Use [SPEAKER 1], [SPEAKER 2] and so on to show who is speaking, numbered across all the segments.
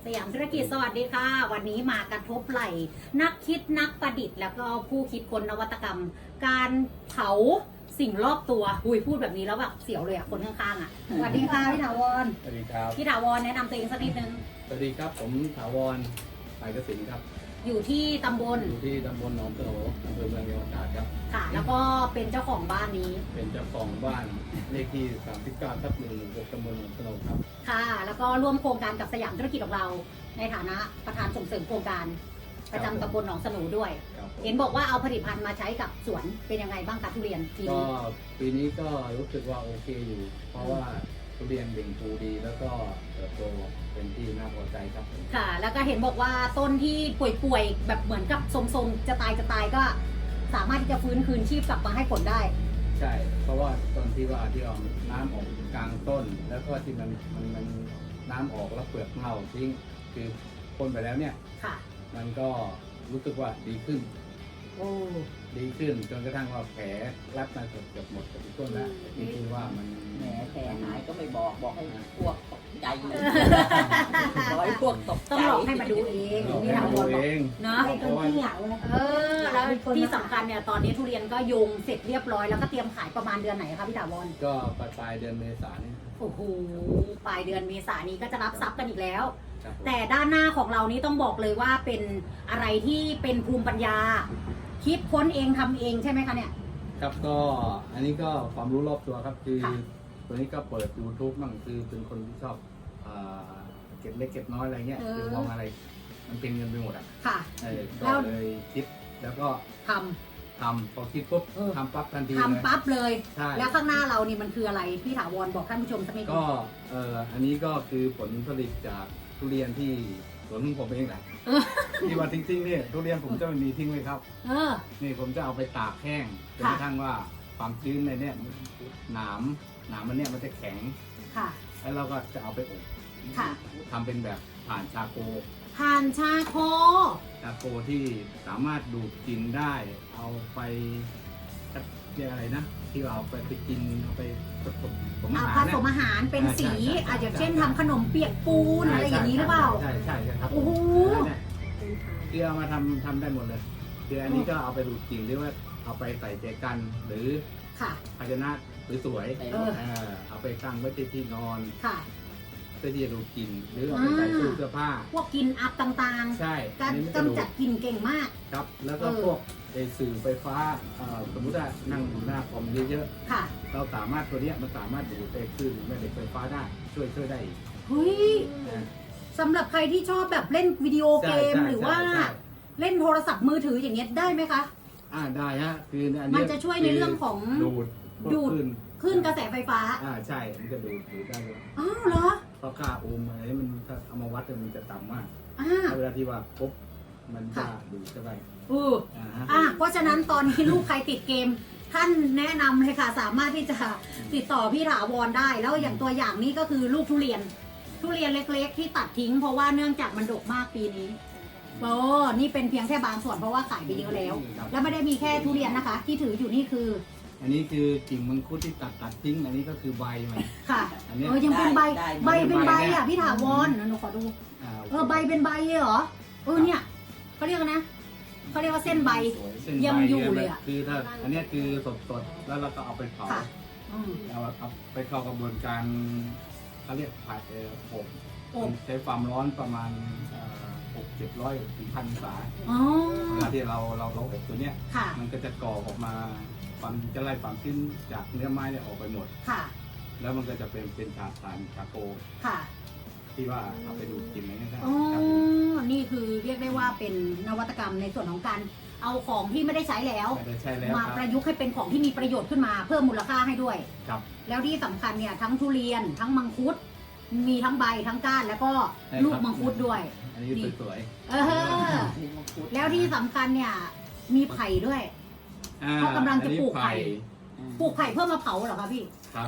[SPEAKER 1] สยามธุรกิจสวัสดีค่ะวันนี้มากระทบไหล่นักคิดนักประดิษฐ์แล้วก็ผู้คิดค้นนวัตกรรม การเผาสิ่งรอบตัวพูดแบบนี้แล้วแบบเสียวเลยอ่ะคนข้างๆอ่ะสวัสดีค่ะพี่ถาวร
[SPEAKER 2] สวัสดีครับ
[SPEAKER 1] พี่ถาวรแนะนำตัวเองสักนิดนึง
[SPEAKER 2] สวัสดีครับผมถาวรสายกสินครับ
[SPEAKER 1] อยู่ที่ตำบล
[SPEAKER 2] อยู่ที่ตำบลหนองโตอำเภอเมืองจังหวัดตราดครับ
[SPEAKER 1] ค่ะ แล้วก็เป็นเจ้าของบ้านนี้
[SPEAKER 2] เป็นเจ้าของบ้านเลขที่39/116ตำบลหนองโตครับ
[SPEAKER 1] ค่ะ แล้วก็ร่วมโครงการกับสยามธุรกิจของเรา ในฐานะประธานส่งเสริมโครงการประจำตำบลหนองสนูด้วย
[SPEAKER 2] ครับผม
[SPEAKER 1] เห็นบอกว่าเอาผลิตภัณฑ์มาใช้กับสวนเป็นยังไงบ้างคะทุเรียนปี
[SPEAKER 2] ก็
[SPEAKER 1] นี้
[SPEAKER 2] ปีนี้ก็รู้สึกว่าโอเคอยู่ เพราะว่าทุเรียนเบ่งปูดี แล้วก็เติบโตเป็นที่น่าพอใจครับผม
[SPEAKER 1] ค่ะ แล้วก็เห็นบอกว่าต้นที่ป่วยๆแบบเหมือนกับทรงๆจะตายก็สามารถที่จะฟื้นคืนชีพกลับมาให้ผลได้
[SPEAKER 2] ใช่ เพราะว่าตอนที่เอาน้ำออกกลางต้น แล้วก็ที่มันน้ำออกแล้วเปลือกเน่าทิ้งคือพ่นไปแล้วเนี่ย
[SPEAKER 1] ค่ะ
[SPEAKER 2] มันก็รู้สึกว่าดีขึ้น
[SPEAKER 1] โอ้
[SPEAKER 2] ดีขึ้นจนกระทั่งว่าแผลรับมาเกือบหมดกับทุกต้นแล้วนี่คือว่ามัน
[SPEAKER 3] แหมแผลหายก็ไม่บอกให้พวกตกใจร้อยพวกตกใจ
[SPEAKER 1] ต้องลองให้มาดูเอง
[SPEAKER 2] เรา
[SPEAKER 1] พี่
[SPEAKER 2] ให้
[SPEAKER 1] ถาว
[SPEAKER 2] ดู
[SPEAKER 1] รบ
[SPEAKER 2] เอ
[SPEAKER 1] อก
[SPEAKER 2] ง
[SPEAKER 1] เนาะ
[SPEAKER 2] เพราะว่า
[SPEAKER 1] แล้วที่สำคัญเนี่ยตอนนี้ทุเรียนก็โยงเสร็จเรียบร้อยแล้วก็เตรียมขายประมาณเดือนไหนคะพี่ถาวร
[SPEAKER 2] ก็ปลายเดือนเมษายนนี่
[SPEAKER 1] โอ้โหปลายเดือนเมษายนนี้ก็จะรับทรัพย์กันอีกแล้ว
[SPEAKER 2] ครับผม
[SPEAKER 1] แต่ด้านหน้าของเรานี้ต้องบอกเลยว่าเป็นอะไรที่เป็นภูมิปัญญา คิดค้นเองทำเองใช่ไหมคะเนี่ย
[SPEAKER 2] ครับก็อันนี้ก็ความรู้รอบตัวครับคือ
[SPEAKER 1] ค่ะ
[SPEAKER 2] ตัวนี้ก็เปิด YouTube บ้างคือเป็นคนที่ชอบเก็บเล็กเก็บน้อยอะไรเงี้ยคือมองอะไรมันเป็นเงินไปหมดอ่ะ
[SPEAKER 1] ค่ะ
[SPEAKER 2] ก็
[SPEAKER 1] แล้ว
[SPEAKER 2] เลยคิดแล้วก็
[SPEAKER 1] ท
[SPEAKER 2] ทำพอคิดปุ๊บ
[SPEAKER 1] เออ
[SPEAKER 2] ทำปั๊บทันที
[SPEAKER 1] ำ
[SPEAKER 2] เลย
[SPEAKER 1] ทำปั๊บเลย
[SPEAKER 2] ใช่
[SPEAKER 1] แล้วข้างหน้าเรานี่มันคืออะไรพี่ถาวรบอกท่านผู้ชมสักนิดนึ
[SPEAKER 2] ก็
[SPEAKER 1] ง
[SPEAKER 2] อันนี้ก็คือผลผลิตจากทุเรียนที่สวนของผมเองแหละ
[SPEAKER 1] เออ
[SPEAKER 2] ที่ว่าทิ้งๆเนี่ยทุเรียนผมจะไม่มีทิ้งเลยครับ
[SPEAKER 1] เออ
[SPEAKER 2] นี่ผมจะเอาไปตากแห้งจนกระทั่งว่าความชื้นในเนี่ยหนามมันเนี่ยมันจะแข็ง
[SPEAKER 1] ค่ะ
[SPEAKER 2] แล้วเราก็จะเอาไปอบ
[SPEAKER 1] ค่ะ
[SPEAKER 2] ทำเป็นแบบผ่านชาโค
[SPEAKER 1] ผ่านชาโค
[SPEAKER 2] ที่สามารถดูดกลิ่นได้ เอาไปเรียกอะไรนะ ที่เราเอาไปกินเอาไปผสมอา
[SPEAKER 1] เอา
[SPEAKER 2] หาร
[SPEAKER 1] ผสมอาหารเป็นสี
[SPEAKER 2] ใช่
[SPEAKER 1] อาจจะเช่นทำขนมเปียกปูนอะไรอย่างนี้หรือเปล่า
[SPEAKER 2] ใช่ครับ
[SPEAKER 1] โอ้โห
[SPEAKER 2] เนี่ยคือเอามาทำได้หมดเลยคืออันนี้ก็เอาไปดูดกลิ่นหรือว่าเอาไปใส่เจกันหรือ
[SPEAKER 1] ค่ะ
[SPEAKER 2] ภาชนะสวย
[SPEAKER 3] ใส่
[SPEAKER 1] เอ
[SPEAKER 3] ร
[SPEAKER 1] อ
[SPEAKER 3] ถ
[SPEAKER 2] เอาไปตั้งไว้ที่นอน
[SPEAKER 1] ค่ะ
[SPEAKER 2] เพื่อที่จะดูกลิ่นหรือเอาไปใส่ตู้เสื้อผ้า
[SPEAKER 1] พวกกินอัพต่าง
[SPEAKER 2] ใช่
[SPEAKER 1] ๆ การ
[SPEAKER 2] อันนี้มัน
[SPEAKER 1] กำจัดกลิ่นเก่งมาก
[SPEAKER 2] ครับ แล้วก็
[SPEAKER 1] เออ
[SPEAKER 2] พวกสื่อไฟฟ้าสมมุติว่านั่งอยู่หน้าคอมเยอะ
[SPEAKER 1] ค่ะ
[SPEAKER 2] ๆเราสามารถตัวเนี้ยมันสามารถดูดไปคลื่นแม่เหล็กไฟฟ้าได้ช่วยได้อีก
[SPEAKER 1] เฮ้ย
[SPEAKER 2] นะ
[SPEAKER 1] สำหรับใครที่ชอบแบบเล่นวิดีโอเกม
[SPEAKER 2] ใช่
[SPEAKER 1] หรือว่า
[SPEAKER 2] ใช่
[SPEAKER 1] เล่นโทรศัพท์มือถืออย่างเงี้ยได้ไหมคะ
[SPEAKER 2] ได้ฮะคืออัน
[SPEAKER 1] มั
[SPEAKER 2] เนี้
[SPEAKER 1] นจะช่วยในเรื่องของ
[SPEAKER 2] ดูดพวก
[SPEAKER 1] ดูด คลื่นกระแสไฟฟ้า
[SPEAKER 2] ใช่มันจะดูดได้เลย
[SPEAKER 1] อ้าวเหรอ
[SPEAKER 2] เพราะค่าโอห์มอะไรมันถ้าเอามาวัดเนี่ยมันจะต่ำมาก
[SPEAKER 1] อ่า
[SPEAKER 2] เวลาที่ว่าปุ๊บมันจะ
[SPEAKER 1] ค่ะ
[SPEAKER 2] ดูดเข้าไป ฮะ
[SPEAKER 1] เพราะฉะนั้นตอนนี้ลูกใครติดเกม ท่านแนะนำเลยค่ะ สามารถที่จะติดต่อพี่ถาวรได้ แล้วอย่างตัวอย่างนี้ก็คือลูกทุเรียนเล็กๆ ที่ตัดทิ้ง เพราะว่าเนื่องจากมันดกมากปีนี้โอ้นี่เป็นเพียงแค่บางส่วนเพราะว่าขายไปเยอะแล้ว
[SPEAKER 2] ครับ
[SPEAKER 1] แล้วไม่ได้มีแค่ทุเรียนนะคะ ที่ถืออยู่นี่คือ
[SPEAKER 2] อันนี้คือกิ่งมังคุดที่ตัดทิ้ง อันนี้ก็คือใบมัน
[SPEAKER 1] ค่ะ
[SPEAKER 2] อันเนี้ย
[SPEAKER 1] ยังเป็นใบ
[SPEAKER 3] ได้
[SPEAKER 1] ใบเป็นใบ
[SPEAKER 2] เนี่ย
[SPEAKER 1] อ่ะพี่ถาวรหนูขอดู ใบเป็นใบเลยเหรอเนี่ยเขาเรียกนะเขาเรียกว่าเส้นใบ
[SPEAKER 2] เส้นใบ
[SPEAKER 1] ยังอยู่เลยอะ
[SPEAKER 2] คือถ้าอันเนี้ยคือสดๆแล้วเราก็เอาไปเผา
[SPEAKER 1] ค่ะ อืม
[SPEAKER 2] เอาไปเข้ากระบวนการเขาเรียกผัดอบ
[SPEAKER 1] อบ
[SPEAKER 2] ใช้ความร้อนประมาณ600-700 ถึง 1,000 องศา
[SPEAKER 1] อ๋อ
[SPEAKER 2] เวลาที่เราอบตัวเนี้ย
[SPEAKER 1] ค่ะ
[SPEAKER 2] มันก็จะก่อออกมาจะไล่ความชื้นจากเนื้อไม้เนี่ยออกไปหมด
[SPEAKER 1] ค่ะ
[SPEAKER 2] แล้วมันก็จะเป็นสารชาโค
[SPEAKER 1] ค่ะ
[SPEAKER 2] ที่ว่าเอาไปดูดกลิ่นอะไรเงี้ยได้
[SPEAKER 1] อ๋อ
[SPEAKER 2] ครับ
[SPEAKER 1] นี่คือเรียกได้ว่าเป็นนวัตกรรมในส่วนของการเอาของที่ไม่ได้ใช้แล้ว
[SPEAKER 2] ไม่ได้ใช่แล้ว
[SPEAKER 1] มา
[SPEAKER 2] ครับ
[SPEAKER 1] ประยุกต์ให้เป็นของที่มีประโยชน์ขึ้นมาเพิ่มมูลค่าให้ด้วย
[SPEAKER 2] ครับ
[SPEAKER 1] แล้วที่สำคัญเนี่ยทั้งทุเรียนทั้งมังคุด มีทั้งใบทั้งก้านแล้วก็
[SPEAKER 2] ใช่ครับ
[SPEAKER 1] ลูกมังคุดด้วย
[SPEAKER 2] อันนี้สวย
[SPEAKER 1] เออ
[SPEAKER 3] มีมังคุด
[SPEAKER 1] แล้วที่สำคัญเนี่ยมีไผ่ด้วย
[SPEAKER 2] ๆ
[SPEAKER 1] เขากำลังจะปลูกไผ่
[SPEAKER 3] อืม
[SPEAKER 1] ปลูกไผ่เพื่อมาเผาเหรอคะพี่
[SPEAKER 2] ครับ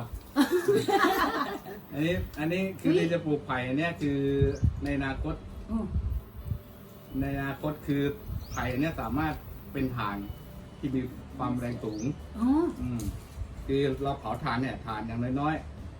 [SPEAKER 2] อันนี้คือที่จะปลูกไผ่เนี่ยคือในอนาคต
[SPEAKER 1] อืม
[SPEAKER 2] คือไผ่เนี่ยสามารถเป็นถ่านที่มีความแรงสูง
[SPEAKER 1] อ๋อ
[SPEAKER 2] คือเราเผาถ่านเนี่ยถ่านอย่างน้อยๆ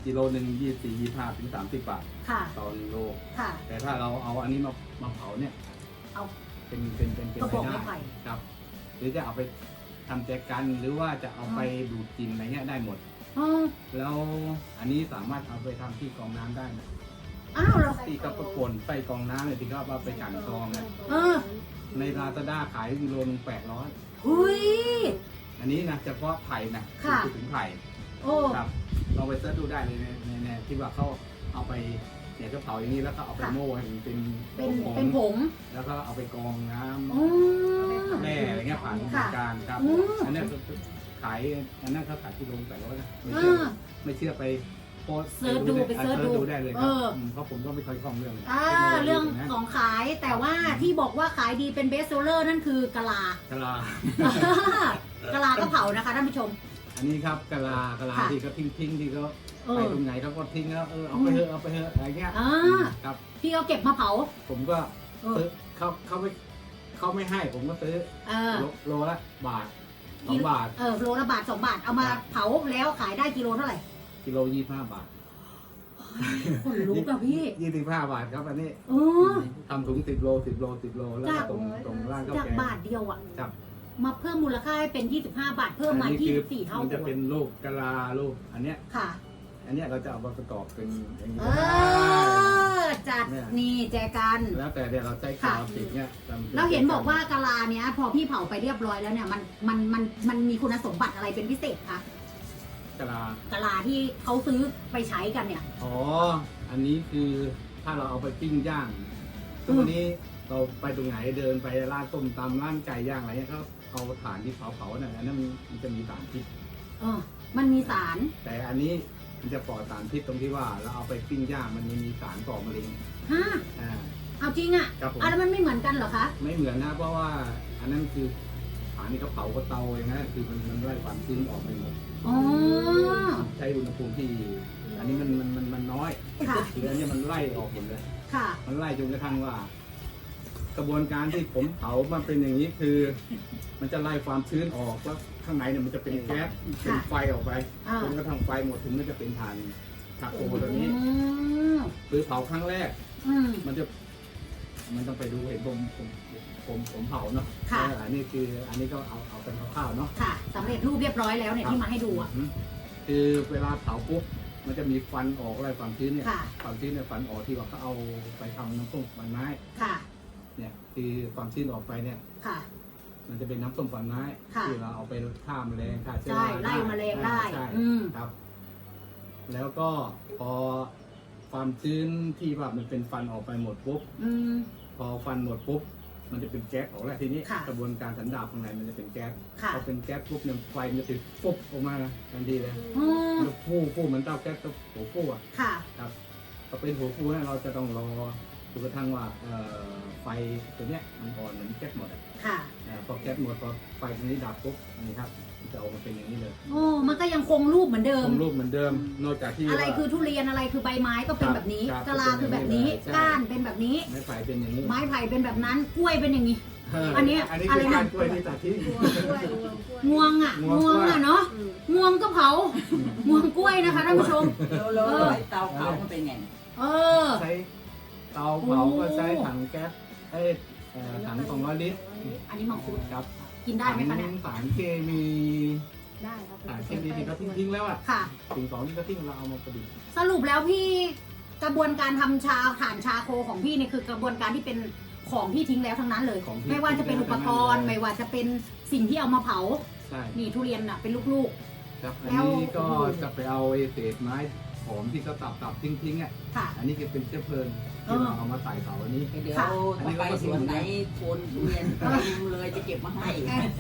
[SPEAKER 2] กิโลหนึ่ง24-25 ถึง 30 บาท
[SPEAKER 1] ค่ะ
[SPEAKER 2] ต่อ1 โล
[SPEAKER 1] ค่ะ
[SPEAKER 2] แต่ถ้าเราเอาอันนี้มาเผาเนี่ย
[SPEAKER 1] เอา
[SPEAKER 2] เป็น
[SPEAKER 1] กระบอก
[SPEAKER 2] ไป
[SPEAKER 1] ไม้
[SPEAKER 2] ได้
[SPEAKER 1] ไผ่
[SPEAKER 2] ครับ หรือจะเอาไปทำแจกันหรือว่าจะเอาไปดูดกลิ่นอะไรเงี้ยได้หมด
[SPEAKER 1] อ๋อ
[SPEAKER 2] แล้วอันนี้สามารถเอาไปทำที่กรองน้ำได้นะ
[SPEAKER 1] อ้าวเหรอ
[SPEAKER 2] ที่เขาประกวนใส่กรองน้ำเนี่ยที่เขาเอาไปกันกรองเนี่ย
[SPEAKER 1] เออ
[SPEAKER 2] ในลาซาด้าขายกิโลนึง800
[SPEAKER 1] หุย
[SPEAKER 2] อันนี้นะเฉพาะไผ่นะ
[SPEAKER 1] ค่ะ
[SPEAKER 2] พูดถึงไผ่
[SPEAKER 1] โอ้
[SPEAKER 2] ครับเราไปเสิร์ชดูได้เลยในที่ว่าเขาเอาไปเนี่ยก็เผาอย่างนี้แล้วก็เอาไปโม่ให้มันเป็น
[SPEAKER 1] เป็นผง
[SPEAKER 2] แล้วก็เอาไปกรองน้ำ
[SPEAKER 1] อ๋อ
[SPEAKER 2] แร่อะไรเงี้ยผ่านกระบวนการครับ
[SPEAKER 1] อืม
[SPEAKER 2] อันนี้ก็ขายอันนั้นเขาขายกิโล800นะไม่
[SPEAKER 1] อ่
[SPEAKER 2] เชื่อา ไม่เชื่อไปโพสต์
[SPEAKER 1] เสิร์ชดูไปเสิร์ชดู
[SPEAKER 2] ได้เลยค
[SPEAKER 1] เอ
[SPEAKER 2] รับ
[SPEAKER 1] อ
[SPEAKER 2] เพราะผมก็ไม่ค่อยคล่องเรื่อง
[SPEAKER 1] เรื่อง
[SPEAKER 2] นะ
[SPEAKER 1] ของขายแต่ว่าที่บอกว่าขายดีเป็นเบสเซลเลอร์นั่นคือกะลา
[SPEAKER 2] กะลา
[SPEAKER 1] กะลาก็เผานะคะท่านผู้ชม
[SPEAKER 2] อันนี้ครับกะลา
[SPEAKER 1] ค่ะ
[SPEAKER 2] ที่เขาทิ้งที่เขา
[SPEAKER 1] เอ
[SPEAKER 2] ไป
[SPEAKER 1] อ
[SPEAKER 2] ตรงไหนเขาก็ทิ้งแล้วเอาไปเถอะอะไรเงี้ย
[SPEAKER 1] อ่า
[SPEAKER 2] ครับ
[SPEAKER 1] พี่เอาเก็บมาเผา
[SPEAKER 2] ผมก็
[SPEAKER 1] เออ
[SPEAKER 2] ซื้อเขาไม่ให้ผมก็ซื้อ
[SPEAKER 1] เออ
[SPEAKER 2] โลละบาท2 บาท
[SPEAKER 1] โลละบาท2 บาทเอามาเผาแล้วขายได้กิโลเท่าไหร่
[SPEAKER 2] กิโล25 บาท
[SPEAKER 1] คนลุกอะพี่
[SPEAKER 2] 25 บาทครับอันนี้
[SPEAKER 1] เออ
[SPEAKER 2] ทำถุง10 โลแล้วก็ตรงล่างก็
[SPEAKER 1] จาก
[SPEAKER 2] แกง
[SPEAKER 1] บาทเดียวอะ
[SPEAKER 2] ครับ
[SPEAKER 1] มาเพิ่มมูลค่าให้เป็น25 บาทเพิ่มมา
[SPEAKER 2] อันนี้คือ
[SPEAKER 1] 24เท่า
[SPEAKER 2] มันจะเป็นลูกกะลาลูกอันเนี้ย
[SPEAKER 1] ค่ะ
[SPEAKER 2] อันเนี้ยเราจะเอามาประกอบเป็นอย่างนี้
[SPEAKER 1] เอ
[SPEAKER 2] ก็ได้
[SPEAKER 1] อจัดนี่แจกัน
[SPEAKER 2] แล้วแต่เดี๋ยวเราใช้กาวติดเนี่ย
[SPEAKER 1] แล้วเห็นบอกว่ากะลาเนี้ยพอพี่เผาไปเรียบร้อยแล้วเนี่ยมันมีคุณสมบัติอะไรเป็นพิเศษคะ
[SPEAKER 2] กะลา
[SPEAKER 1] กะลาที่เขาซื้อไปใช้กันเนี่ย
[SPEAKER 2] อ๋ออันนี้คือถ้าเราเอาไปปิ้งย่างทุกวันนี้เราไปตรงไหนเดินไปร้านต้มตำร้านไก่ย่างอะไรเงี้ยเขาเอาถ่านที่เผาเนี่ยอันนั้นมันจะมีสารพิษ
[SPEAKER 1] เออ มันมีสาร
[SPEAKER 2] แต่อันนี้มันจะปลอดสารพิษตรงที่ว่าเราเอาไปปิ้งย่างมันมีสารก่อมะเร็ง
[SPEAKER 1] ฮะ
[SPEAKER 2] อ่า
[SPEAKER 1] เอาจริงอะ
[SPEAKER 2] ครับผม
[SPEAKER 1] แล้วมันไม่เหมือนกันเหรอคะ
[SPEAKER 2] ไม่เหมือนนะเพราะว่าอันนั้นคือฐานที่เขาเผากับเตาอย่างนั้นคือมันไล่ความชื้นออกไปหมด
[SPEAKER 1] อ๋อ
[SPEAKER 2] ใช้อุณหภูมิที่อันนี้มันน้อย
[SPEAKER 1] ค่ะ
[SPEAKER 2] คืออันนี้มันไล่ออกหมดเลย
[SPEAKER 1] ค่ะ
[SPEAKER 2] มันไล่จนกระทั่งว่า กระบวนการที่ผมเผามันเป็นอย่างนี้คือ มันจะไล่ความชื้นออกแล้วข้างในเนี่ยมันจะเป็นแก๊สเป็นไฟออกไป
[SPEAKER 1] อ่า
[SPEAKER 2] จนกระทั่งไฟหมดถึงมันจะเป็นถ่านชาโคตัวนี้
[SPEAKER 1] อืม
[SPEAKER 2] หรือเผาครั้งแรก
[SPEAKER 1] อืม
[SPEAKER 2] มันต้องไปดูเห็นผมเผาเนาะ
[SPEAKER 1] ค่ะ
[SPEAKER 2] อันนี้คืออันนี้ก็เอาเป็นคร่าวๆเนาะ
[SPEAKER 1] ค่ะสำเร็จรูปเรียบร้อยแล้วเนี่ยที่มาให้ดูอ่ะ
[SPEAKER 2] คือเวลาเผาปุ๊บมันจะมีควันออกอะไรความชื้นเนี่ย
[SPEAKER 1] ค่ะ
[SPEAKER 2] ความชื้นเนี่ยควันออกที่ว่าเขาเอาไปทำน้ำส้มควันไม้
[SPEAKER 1] ค่ะ
[SPEAKER 2] เนี่ยคือความชื้นออกไปเนี่ย
[SPEAKER 1] ค่ะ
[SPEAKER 2] มันจะเป็นน้ำส้มควันไม้
[SPEAKER 1] ค่ะ
[SPEAKER 2] ที่เราเอาไปฆ่าแมลงฆ่าเชื้อ
[SPEAKER 1] ใช่
[SPEAKER 2] รา
[SPEAKER 1] ไล่แมลงได้
[SPEAKER 2] ใช่
[SPEAKER 1] อืม
[SPEAKER 2] ครับ แล้วก็พอความชื้นที่ว่ามันเป็นฟันออกไปหมดปุ๊บ
[SPEAKER 1] อืม
[SPEAKER 2] พอฟันหมดปุ๊บมันจะเป็นแก๊สออกแล้วทีนี้
[SPEAKER 1] ค่ะ
[SPEAKER 2] กระบวนการสันดาปข้างในมันจะเป็นแก๊ส
[SPEAKER 1] ค่ะ
[SPEAKER 2] พอเป็นแก๊สปุ๊บเนี่ยไฟมันจะติดปุ๊บออกมาทันทีเลย
[SPEAKER 1] อ๋อ
[SPEAKER 2] มันฟูเหมือนเตาแก๊สกับหัวฟูอ่ะ
[SPEAKER 1] ค่ะ
[SPEAKER 2] ครับพอเป็นหัวฟูเนี่ยเราจะต้องรอจนกระทั่งว่าไฟตัวเนี้ยมันอ่อนเหมือนแก๊สหมดอะ
[SPEAKER 1] ค่ะ
[SPEAKER 2] พอแก๊สหมดพอไฟตรงนี้ดับปุ๊บนี่ครับมันจะออกมาเป็นอย่างนี้เลย
[SPEAKER 1] โอ้มันก็ยังคงรูปเหมือนเดิม
[SPEAKER 2] คงรูปเหมือนเดิมนอกจากที่
[SPEAKER 1] อะไร
[SPEAKER 2] ว่า
[SPEAKER 1] คือทุเรียนอะไรคือใบไม้ก็เป็น
[SPEAKER 2] ครับ
[SPEAKER 1] แบบนี้
[SPEAKER 2] ครับ
[SPEAKER 1] กะลาคือแบบนี้
[SPEAKER 2] ใช่
[SPEAKER 1] ก้านเป็นแบบนี้
[SPEAKER 2] ไม้ไผ่เป็นอย่างนี้
[SPEAKER 1] ไม้ไผ่เป็นแบบนั้น กล้วยเป็นอย่างนี้
[SPEAKER 2] เ
[SPEAKER 1] อันนี้
[SPEAKER 2] อันนี้
[SPEAKER 1] อะ
[SPEAKER 2] คื
[SPEAKER 1] ไร
[SPEAKER 2] อ
[SPEAKER 1] นะ
[SPEAKER 2] การกล้วยที่ตัดทิ้ง
[SPEAKER 1] งวงอ่ะ
[SPEAKER 2] งวง
[SPEAKER 1] งวงอ่ะเนาะงวงก็เผา งวงกล้วยนะคะท่านผู้ชม
[SPEAKER 3] แล้วเตาเผามันเป็นไง
[SPEAKER 1] เออ
[SPEAKER 2] ใช้เตาเผาก็ใช้ถังแก๊สถัง200 ลิตร
[SPEAKER 1] อันนี้มังคุด
[SPEAKER 2] ครับ
[SPEAKER 1] กินได้ไหมคะเนี่ย
[SPEAKER 2] สารเคมี
[SPEAKER 1] ได้ครับ
[SPEAKER 2] สารเคมีที่เขาทิ้งแล้วอ่ะ
[SPEAKER 1] ค่ะ
[SPEAKER 2] สิ่งของที่เขาทิ้งเราเอามาประดิษฐ์
[SPEAKER 1] สรุปแล้วพี่กระบวนการทำชาถ่านชาโคของพี่เนี่ยคือกระบวนการที่เป็นของที่ทิ้งแล้วทั้งนั้นเลย
[SPEAKER 2] ของที่
[SPEAKER 1] ไม่ว่าจะเป็นอุปกรณ์ ไม่ว่าจะเป็นสิ่งที่เอามาเผา
[SPEAKER 2] ใช่
[SPEAKER 1] นี่ทุเรียนอ่ะเป็นลูก
[SPEAKER 2] ครับอัน
[SPEAKER 1] แล้ว
[SPEAKER 2] นี้ก็จะไปเอาเศษไม้หอมที่เขาตับทิ้งอ่ะ
[SPEAKER 1] ๆ ค่ะ
[SPEAKER 2] อันนี้ก็เป็นเชื้อเพลิงที่เราเอามาใส่เผาอันนี้
[SPEAKER 3] เดี๋ยวถ้าไปสวนไหนโคนทุเรียนเต็มเลยจะเก็บมาให้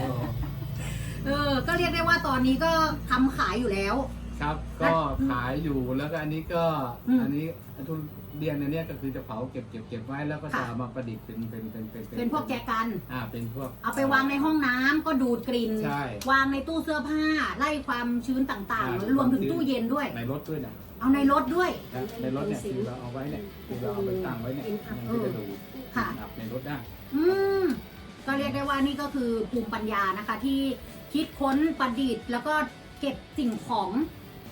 [SPEAKER 1] ก็เรียกได้ว่าตอนนี้ก็ทำขายอยู่แล้ว
[SPEAKER 2] ครับก็ขายอยู่แล้วก็อันนี้ก็
[SPEAKER 1] อืม
[SPEAKER 2] อันนี้ทุเรียนอันเนี้ยก็คือจะเผาเก็บไว้แล้วก็จะ
[SPEAKER 1] ค่ะ
[SPEAKER 2] เอามาประดิษฐ์เป็น
[SPEAKER 1] เป็นพวกแจกัน
[SPEAKER 2] เป็นพวก
[SPEAKER 1] เอาไปวางในห้องน้ำก็ดูดกลิ่น
[SPEAKER 2] ใช่
[SPEAKER 1] วางในตู้เสื้อผ้า ไล่ความชื้นต่างๆ รวมถึงตู้เย็นด้วย
[SPEAKER 2] ในรถด้วยนะ
[SPEAKER 1] เอาในรถด้วย
[SPEAKER 2] นะในรถเนี่ยคือเราเอาไว้เนี่ยคือเราเอาไปตั้งไว้เนี่ยมันก็จะดูด
[SPEAKER 1] ค่ะ
[SPEAKER 2] อับในรถได้
[SPEAKER 1] อืมก็เรียกได้ว่านี่ก็คือภูมิปัญญานะคะ ที่คิดค้นประดิษฐ์ แล้วก็เก็บสิ่งของ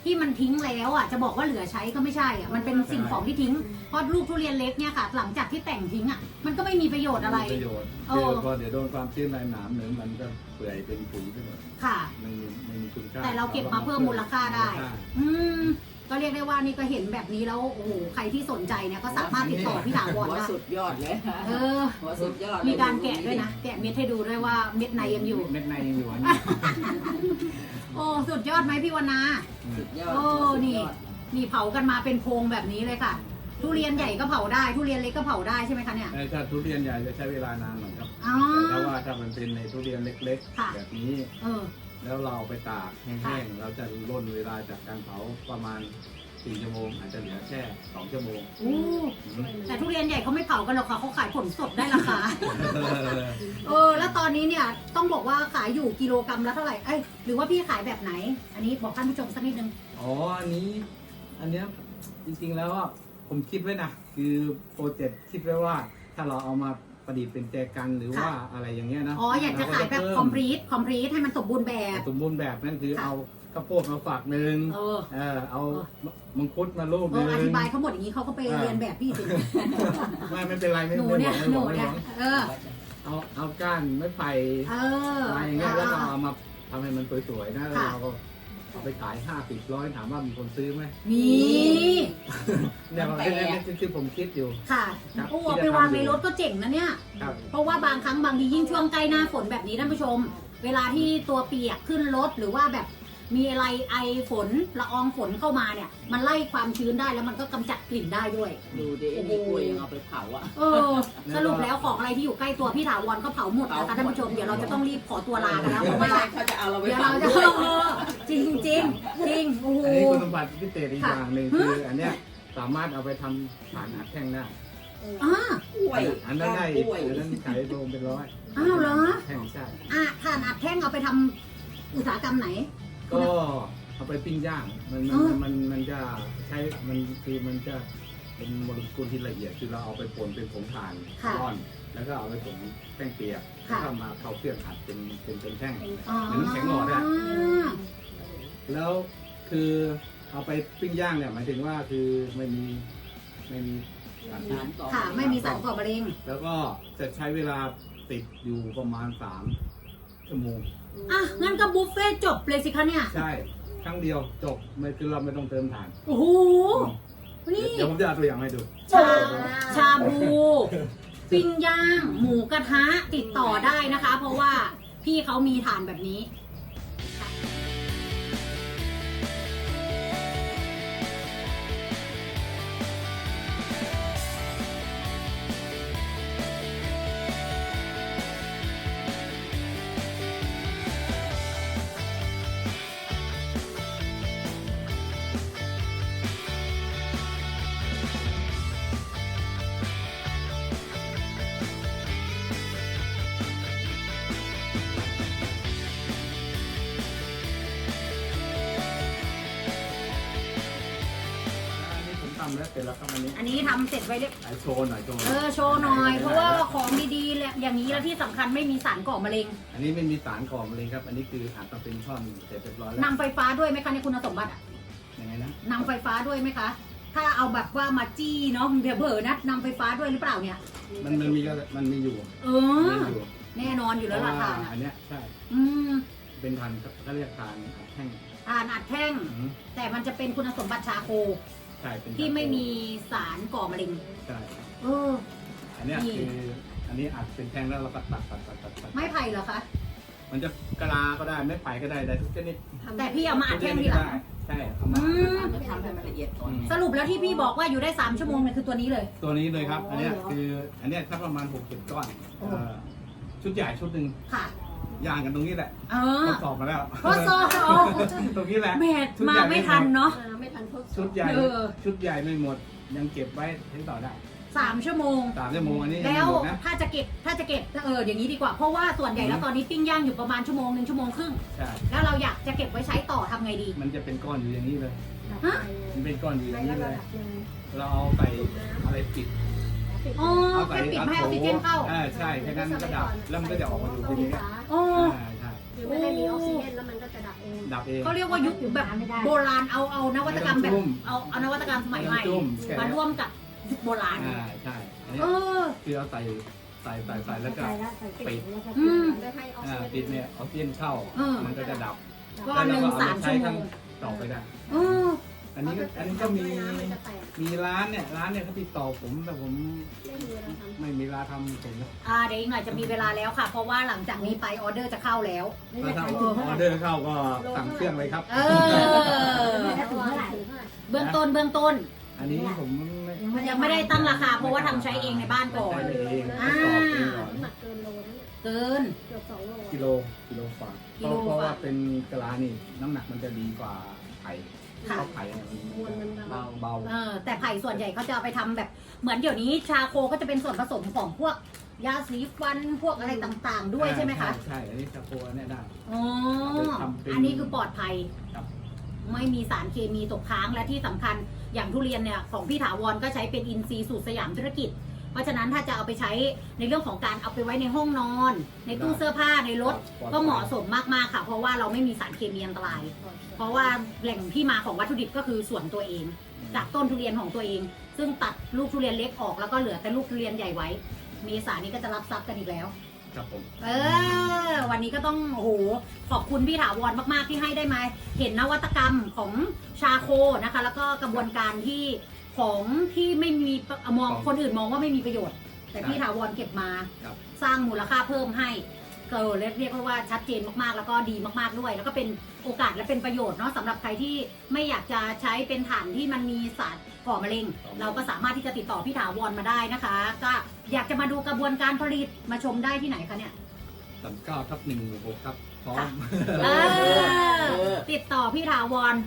[SPEAKER 1] ที่มันทิ้งแล้วอ่ะจะบอกว่าเหลือใช้ก็ไม่ใช่อ่ะมันเป็นสิ่งของที่ทิ้งเพราะลูกทุเรียนเล็กเนี่ยค่ะ หลังจากที่แต่งทิ้งอ่ะมันก็ไม่มีประโยชน์อะไร
[SPEAKER 2] ม่มีประโยชน์
[SPEAKER 1] เอ
[SPEAKER 2] คือ
[SPEAKER 1] อ
[SPEAKER 2] พอเดี๋ยวโดนความชื้นในหนามหนึ่งมันก็เปื่อยเป็นปุ๋ยไปหมด
[SPEAKER 1] ค่ะ
[SPEAKER 2] ไม่มีคุณค่า
[SPEAKER 1] แต่เราเก็บมาเพิ่มมูลค่าได้ อืมก็เรียกได้ว่านี่ก็เห็นแบบนี้แล้วโอ้โหใครที่สนใจเนี่ยก็สามารถติดต่อพี่ถาวร
[SPEAKER 3] หัว
[SPEAKER 1] ได้
[SPEAKER 3] สุดยอดเลย
[SPEAKER 1] เออ
[SPEAKER 3] หัวสุดยอด
[SPEAKER 1] มีการแกะด้วยนะแกะเม็ดให้ดูด้วยว่าเม็ดในยังอยู่
[SPEAKER 2] เม็ดในยังอยู่อันนี้
[SPEAKER 1] โอ้สุดยอดไหมพี่วรรณา
[SPEAKER 3] สุดยอด
[SPEAKER 1] โอ้นี่นี่เผากันมาเป็นโพรงแบบนี้เลยค่ะ ทุเรียนใหญ่ก็เผาได้ ทุเรียนเล็กก็เผาได้ใช่ไหมคะเนี่ย
[SPEAKER 2] ถ้าทุเรียนใหญ่จะใช้เวลานานหน่อยครับ
[SPEAKER 1] อ๋อ
[SPEAKER 2] แต่ว่าถ้ามันเป็นในทุเรียนเล็ก
[SPEAKER 1] ค่ะ
[SPEAKER 2] ๆ แบบนี้
[SPEAKER 1] เออ
[SPEAKER 2] แล้วเราเอาไปตากแห้งๆ เราจะล่นเวลาจากการเผาประมาณ4 ชั่วโมง อาจจะเหลือแค่2 ชั่วโมง
[SPEAKER 1] อู้แต่ทุเรียนใหญ่เขาไม่เผากันหรอกค่ะเขาขายผลสดได้ราคา เออ แล้วตอนนี้เนี่ยต้องบอกว่าขายอยู่กิโลกรัมละเท่าไหร่ เอ้ยหรือว่าพี่ขายแบบไหน อันนี้บอกท่านผู้ชมสักนิดนึง
[SPEAKER 2] อ๋อ อันเนี้ยจริงๆแล้วอ่ะผมคิดไว้นะ คือโปรเจกต์คิดไว้ว่า ถ้าเราเอามาประดิษฐ์เป็นแจกันหรือว่าอะไรอย่างเงี้ยนะ
[SPEAKER 1] อ๋อ อยากจะขายแบบคอมพลีทให้มันสมบูรณ์แบบ
[SPEAKER 2] สมบูรณ์แบบนั่นคือ
[SPEAKER 1] ค่ะ
[SPEAKER 2] เอาข้าวโพดมาฝักหนึ่ง
[SPEAKER 1] เออ
[SPEAKER 2] เอามังคุดมาลูกห
[SPEAKER 1] เอ
[SPEAKER 2] นึ่
[SPEAKER 1] อง อธิบายเขาหมดอย่างนี้เขาก็ไปเรียนแบบพี่สิ
[SPEAKER 2] ไม่เป็นไรไม่
[SPEAKER 1] หนู
[SPEAKER 2] ไม่
[SPEAKER 1] เนี่ย
[SPEAKER 2] บอกไม่
[SPEAKER 1] ห
[SPEAKER 2] บ
[SPEAKER 1] นู
[SPEAKER 2] อกไม่
[SPEAKER 1] เนี่
[SPEAKER 2] บ
[SPEAKER 1] ย
[SPEAKER 2] อก
[SPEAKER 1] เออ
[SPEAKER 2] เอาก้านไม้ไผ่
[SPEAKER 1] เออ
[SPEAKER 2] มาอย่างเงี้ยแล้วก็เอามาทำให้มันสวยๆนะแล้ว
[SPEAKER 1] ค่ะ
[SPEAKER 2] เราก็เอาไปขาย50-100ถามว่ามีคนซื้อไหม
[SPEAKER 1] มี
[SPEAKER 2] เนี่ยมันเป็นคือผมคิดอยู่
[SPEAKER 1] ค่ะ
[SPEAKER 2] ครับ
[SPEAKER 1] โอ้เอาไปวางในรถก็เจ๋งนะเนี่ย
[SPEAKER 2] ครับ
[SPEAKER 1] เพราะว่าบางครั้งบางทียิ่งช่วงใกล้หน้าฝนแบบนี้ท่านผู้ชม เวลาที่ตัวเปียกขึ้นรถหรือว่าแบบมีอะไรไอฝนละอองฝนเข้ามาเนี่ย มันไล่ความชื้นได้แล้วมันก็กำจัดกลิ่นได้ด้วย
[SPEAKER 3] ดูดิไอ้นี่กล้วยยังเอาไปเผาอ่ะ
[SPEAKER 1] เออ สรุปแล้วของอะไรที่อยู่ใกล้ตัวพี่ถาวรก็เผาหมดนะคะท่านผู้ชมเดี๋ยวเราจะต้องรีบขอตัวลากันแล้วเพราะ
[SPEAKER 3] ไม่
[SPEAKER 1] ว่า
[SPEAKER 3] ใช่เขาจะเอาเราไป
[SPEAKER 1] เดี๋ยว
[SPEAKER 3] เผา
[SPEAKER 1] เราจะ
[SPEAKER 3] ด้วย
[SPEAKER 1] เออจริงจริงจริงโอ้โห
[SPEAKER 2] อันนี้คุณสมบัติพิเศษอีก
[SPEAKER 1] ค่ะ
[SPEAKER 2] อย่างหนึ่งคืออันเนี้ยสามารถเอาไปทำฐานอัดแท่งได้
[SPEAKER 1] อ่าก
[SPEAKER 3] ล้วย
[SPEAKER 2] อันนั้นได้
[SPEAKER 3] กล้วย
[SPEAKER 2] อันนั้นขายโลเป็นร้อย
[SPEAKER 1] อ้าวเหรอ
[SPEAKER 2] แท่งใช่
[SPEAKER 1] ถ่านอัดแท่งเอาไปทำอุตสาหกรรมไหน
[SPEAKER 2] ก็เอาไปปิ้งย่างมันจะใช้มันจะเป็นโมเลกุลที่ละเอียดคือเราเอาไปป่นเป็นผงถ่าน
[SPEAKER 1] ค่ะ
[SPEAKER 2] ก้อน แล้วก็เอาไปผงแป้งเปียก
[SPEAKER 1] ค่ะ
[SPEAKER 2] แล้วก็มาเข้าเครื่องอัดเป็นแท่ง
[SPEAKER 1] อ๋อ
[SPEAKER 2] เหมือนน้ำแข็งหลอดอะ แล้วคือเอาไปปิ้งย่างเนี่ยหมายถึงว่าคือไม่มีสารพิษ
[SPEAKER 1] ค่ะ ไม่มีสารก่อมะเร็ง
[SPEAKER 2] แล้วก็จะใช้เวลาติดอยู่ประมาณ3 ชั่วโมง
[SPEAKER 1] อ่ะ งั้นก็บุฟเฟ่ต์จบเลยสิคะเนี่ย
[SPEAKER 2] ใช่ครั้งเดียวจบไม่คือเราไม่ต้องเติมถ่าน
[SPEAKER 1] โอ้โห นี่
[SPEAKER 2] เดี๋ยวผมจะเอาตัวอย่างให้ดู
[SPEAKER 1] ชาบู ปิ้งย่าง หมูกระทะติดต่อได้นะคะ เพราะว่าพี่เขามีฐานแบบนี้
[SPEAKER 2] อันนี้ผมทำแล้วเสร็จแล้วครับอันนี้
[SPEAKER 1] อันนี้ทำเสร็จไว้เรียบ
[SPEAKER 2] โชว์หน่อยโชว์
[SPEAKER 1] โชว์หน่อย เพราะว่าของดีๆแหละอย่างนี้แล้วที่สำคัญไม่มีสารก่อมะเร็ง
[SPEAKER 2] อันนี้ไม่มีสารก่อมะเร็งครับ อันนี้คืออัดมาเป็นท่อนเสร็จเรียบร้อยแล้ว
[SPEAKER 1] นำไฟฟ้าด้วยไหมคะในคุณสมบัติอะ
[SPEAKER 2] ยังไงนะ
[SPEAKER 1] นำไฟฟ้าด้วยไหมคะ ถ้าเอาแบบว่ามาจี้เนาะเดี๋ยวเผลอนะนำไฟฟ้าด้วยหรือเปล่าเนี่ย
[SPEAKER 2] มันมีอยู่
[SPEAKER 1] เออ
[SPEAKER 2] มีอยู่
[SPEAKER 1] แน่นอนอยู่แล้วล่ะทาน
[SPEAKER 2] อันเนี้ยใช่
[SPEAKER 1] อืม
[SPEAKER 2] เป็นทานเขาเรียกทานอัดแท่ง
[SPEAKER 1] ทานอัดแท่ง
[SPEAKER 2] อืม
[SPEAKER 1] แต่มันจะเป็นคุณสมบัติชาโค
[SPEAKER 2] ใช่เป็น
[SPEAKER 1] ที่ไม่มีสารก่อมะเร็ง
[SPEAKER 2] ใช่
[SPEAKER 1] เออ
[SPEAKER 2] อันเนี้ย
[SPEAKER 1] นี่
[SPEAKER 2] คืออันนี้อัดเป็นแท่งแล้วเราก็ตัด
[SPEAKER 1] ไม้ไผ่เหรอคะ
[SPEAKER 2] มันจะกะลาก็ได้ไม่ไผ่ก็ได้ได้ทุกชนิด
[SPEAKER 1] แต่พี่เอามาอัดแท่งทีหลัง
[SPEAKER 2] ใช่เอามา
[SPEAKER 1] อืม
[SPEAKER 3] ก็ทำให้มันละเอียดก่อน
[SPEAKER 1] สรุปแล้วที่พี่บอกว่าอยู่ได้3 ชั่วโมงเนี่ยคือตัวนี้เลย
[SPEAKER 2] ตัวนี้เลยครับ
[SPEAKER 1] อ๋อ
[SPEAKER 2] อันเนี้ย
[SPEAKER 1] เหรอ
[SPEAKER 2] คืออันเนี้ยถ้าประมาณ60 ก้อน
[SPEAKER 1] โอ้
[SPEAKER 2] ชุดใหญ่ชุดหนึ่ง
[SPEAKER 1] ค่ะ
[SPEAKER 2] ย่างกันตรงนี้แหละ
[SPEAKER 1] เออ
[SPEAKER 2] ทดสอบมาแล้ว
[SPEAKER 1] ทดสอบเอา
[SPEAKER 2] ตรงนี้แหละ
[SPEAKER 1] แม่มาไม่ทันเนาะ
[SPEAKER 4] ไม่ทันทดส
[SPEAKER 2] ชุ
[SPEAKER 4] อ
[SPEAKER 2] ด
[SPEAKER 4] บ
[SPEAKER 2] ใหญ่
[SPEAKER 1] เออ
[SPEAKER 2] ชุดใหญ่ไม่หมดยังเก็บไว้ใช้ต่อได้
[SPEAKER 1] 3 ชั่วโมง
[SPEAKER 2] 3 ชั่วโมงอันนี้ยัง
[SPEAKER 1] แล้
[SPEAKER 2] ไม่
[SPEAKER 1] ว
[SPEAKER 2] หมดนะ
[SPEAKER 1] ถ้าจะเก็บอย่างนี้ดีกว่าเพราะว่าส่วนใหญ่แล้วตอนนี้ปิ้งย่างอยู่ประมาณ1 ชั่วโมง 1 ชั่วโมงครึ่ง
[SPEAKER 2] ใช่
[SPEAKER 1] แล้วเราอยากจะเก็บไว้ใช้ต่อทำไงดี
[SPEAKER 2] มันจะเป็นก้อนอยู่อย่างนี้เลย
[SPEAKER 1] ฮะ
[SPEAKER 2] มันเป็นก้อนอยู่อ
[SPEAKER 4] ใน
[SPEAKER 2] ย่างนี้
[SPEAKER 4] ระ
[SPEAKER 2] เลย
[SPEAKER 4] ดับหนึ่ง
[SPEAKER 2] เราเอาใส่อะไรปิด
[SPEAKER 1] อ๋อ
[SPEAKER 2] เอา
[SPEAKER 1] แค่ปิดไม่ให้ออกซิเจนเข้า
[SPEAKER 2] ใช่แค่นั้นมันก็ดับแล้วมันก็จะออกมาอยู่ที่นี้
[SPEAKER 1] อ๋อ
[SPEAKER 2] ใช่
[SPEAKER 4] คือไม่ให้มีออกซิเจนแล้วมันก็จะดับเอง
[SPEAKER 2] ดับเอง
[SPEAKER 1] เขาเรียกว่ายุคแบบโบราณเอานวัตกรรมแบบเอานวัตกรรมสมัยใหม่
[SPEAKER 2] จุ่มแค่
[SPEAKER 1] มาร่วมกับยุคโบราณ
[SPEAKER 2] ใช่อันนี้
[SPEAKER 1] เออ
[SPEAKER 2] คือเราใส่แล้วก็ ปิด
[SPEAKER 1] อืม
[SPEAKER 4] ไม่ให้ออกซิเจน
[SPEAKER 2] ปิดเนี่ยเอาเทียนเข้า มันก็จะดับ
[SPEAKER 1] ก้อนหนึ่ง
[SPEAKER 2] แล้วเรก็
[SPEAKER 1] 3 ชั่วโมง
[SPEAKER 2] ต่อไปได้
[SPEAKER 1] เออ
[SPEAKER 2] อันนี้ก็มีร้านเนี่ยเขาติดต่อผมแต่ผมไม่มีเวลาทำผมนะ
[SPEAKER 1] เดี๋ยวอีกหน่อยจะมีเวลาแล้วค่ะ เพราะว่าหลังจากนี้ไปออเดอร์จะเข้าแล้ว
[SPEAKER 2] ถ้าทำออเดอร์เข้าก็สั่งเครื่องเลยครับ
[SPEAKER 1] เออ เบื้องต้น
[SPEAKER 2] อันนี้ผม
[SPEAKER 1] ยังไม่ได้ตั้งราคาเพราะว่าทำใช้เองในบ้านก่อน
[SPEAKER 2] ใช้เอง
[SPEAKER 1] อ่า
[SPEAKER 2] ประกอบเองก่อน
[SPEAKER 4] น้ำหนักเกินโลนะเนี่ย
[SPEAKER 1] เกิน
[SPEAKER 4] เกือบ2 โล
[SPEAKER 2] กิโลฝ่า
[SPEAKER 1] กิโล
[SPEAKER 2] เพราะ
[SPEAKER 1] ฝ่า
[SPEAKER 2] ว่าเป็นกะลานี่น้ำหนักมันจะดีกว่าไข่
[SPEAKER 1] ค่ะ
[SPEAKER 2] เพราะไข่เนี่ย
[SPEAKER 4] มวลมันเบา
[SPEAKER 2] เบา
[SPEAKER 1] แต่ไผ่ส่วนใหญ่เขาจะเอาไปทำแบบเหมือนเดี๋ยวนี้ชาโคก็จะเป็นส่วนผสมของพวกยาสีฟันพวกอะไรต่างๆ ด้วยใช่ไหมคะ
[SPEAKER 2] ใช่อันนี้ชาโคเนี่ยได้
[SPEAKER 1] อ๋อ
[SPEAKER 2] เอาไปทำเป็น
[SPEAKER 1] อันนี้คือปลอดภัย
[SPEAKER 2] ครับ
[SPEAKER 1] ไม่มีสารเคมีตกค้างและที่สำคัญอย่างทุเรียนเนี่ยของพี่ถาวรก็ใช้เป็นอินทรีย์สูตรสยามธุรกิจ เพราะฉะนั้นถ้าจะเอาไปใช้ในเรื่องของการเอาไปไว้ในห้องนอน ในตู้เสื้อผ้าในรถ ก็เหมาะสมมากๆค่ะ เพราะว่าเราไม่มีสารเคมีอันตราย เพราะว่าแหล่งที่มาของวัตถุดิบก็คือส่วนตัวเอง จากต้นทุเรียนของตัวเอง ซึ่งตัดลูกทุเรียนเล็กออกแล้วก็เหลือแต่ลูกทุเรียนใหญ่ไว้ เมษายนนี้ก็จะรับทรัพย์กันอีกแล้ว
[SPEAKER 2] ครับผม
[SPEAKER 1] วันนี้ก็ต้องโอ้โหขอบคุณพี่ถาวรมากๆที่ให้ได้มาเห็นนวัตกรรมของชาโคนะคะ แล้วก็กระบวนการที่ของที่ไม่มีมองคนอื่นมองว่าไม่มีประโยชน์ แต่พี่ถาวรเก็บมา
[SPEAKER 2] ครับ
[SPEAKER 1] สร้างมูลค่าเพิ่มให้ก็เรียกว่าชัดเจนมากๆ แล้วก็ดีมากๆด้วย แล้วก็เป็นโอกาสและเป็นประโยชน์เนาะสำหรับใครที่ไม่อยากจะใช้เป็นถ่านที่มันมีสารก่อมะเร็ง เราก็สามารถที่จะติดต่อพี่ถาวรมาได้นะคะ ก็อยากจะมาดูกระบวนการผลิตมาชมได้ที่ไหนคะเนี่ย
[SPEAKER 2] 39/166ครับพร้อม
[SPEAKER 1] เออติดต่อพี่ถาวร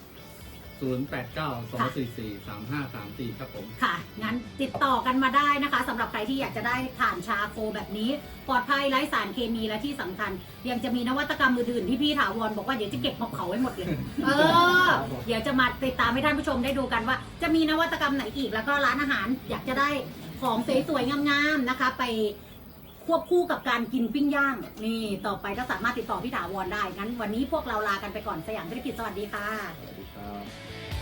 [SPEAKER 2] 089-244-3534 ครับผม
[SPEAKER 1] ค่ะ งั้นติดต่อกันมาได้นะคะสำหรับใครที่อยากจะได้ถ่านชาโคแบบนี้ ปลอดภัยไร้สารเคมีและที่สำคัญ ยังจะมีนวัตกรรมอื่นๆที่พี่ถาวรบอกว่าเดี๋ยวจะเก็บมาเผาไว้หมดเลย เดี๋ยวจะมาติดตามให้ท่านผู้ชมได้ดูกันว่า จะมีนวัตกรรมไหนอีก แล้วก็ร้านอาหารอยากจะได้ของสวยๆงามๆนะคะ ไปควบคู่กับการกินปิ้งย่าง นี่ต่อไปก็สามารถติดต่อพี่ถาวรได้ งั้นวันนี้พวกเราลากันไปก่อนสยามธุรกิจสวัสดีค่ะ
[SPEAKER 2] สวัสดีครับ